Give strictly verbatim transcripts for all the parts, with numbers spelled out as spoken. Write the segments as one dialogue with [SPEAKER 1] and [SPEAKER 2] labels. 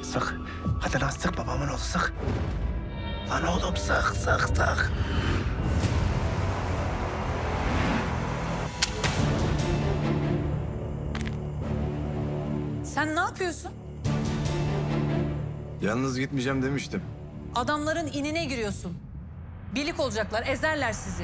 [SPEAKER 1] Sık. Hadi lan sık babamın oğlu sık. Lan oğlum sık sık sık.
[SPEAKER 2] Sen ne yapıyorsun?
[SPEAKER 3] Yalnız gitmeyeceğim demiştim.
[SPEAKER 2] Adamların inine giriyorsun. Birlik olacaklar, ezerler sizi.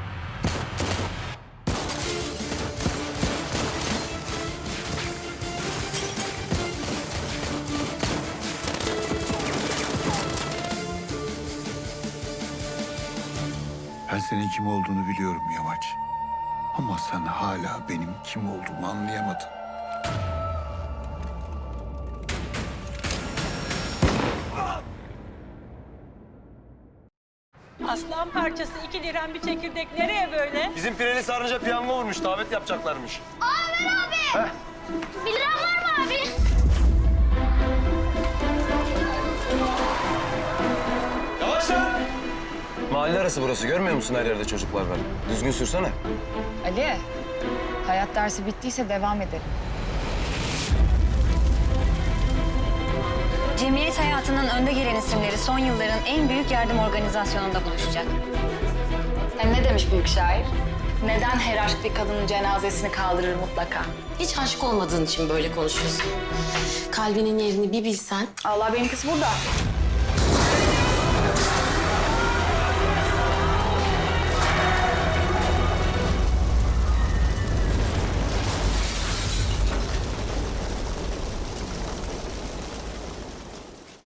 [SPEAKER 3] Ben senin kim olduğunu biliyorum Yamaç. Ama sen hala benim kim olduğumu anlayamadın.
[SPEAKER 4] Aslan parçası iki liran bir çekirdek nereye böyle?
[SPEAKER 5] Bizim pireli sarınca piyango vurmuş, davet yapacaklarmış.
[SPEAKER 6] Ömer abi! Bir liran var mı abi?
[SPEAKER 5] Yavaş lan! Mahalle arası burası, görmüyor musun her yerde çocuklar var? Düzgün sürsene.
[SPEAKER 7] Ali, hayat dersi bittiyse devam edelim.
[SPEAKER 8] Cemiyet hayatının önde gelen isimleri son yılların en büyük yardım organizasyonunda buluşacak.
[SPEAKER 7] Hem ne demiş büyük şair? Neden her aşk bir kadının cenazesini kaldırır mutlaka?
[SPEAKER 9] Hiç aşık olmadığın için böyle konuşuyorsun. Kalbinin yerini bir bilsen.
[SPEAKER 7] Allah beni kız burada.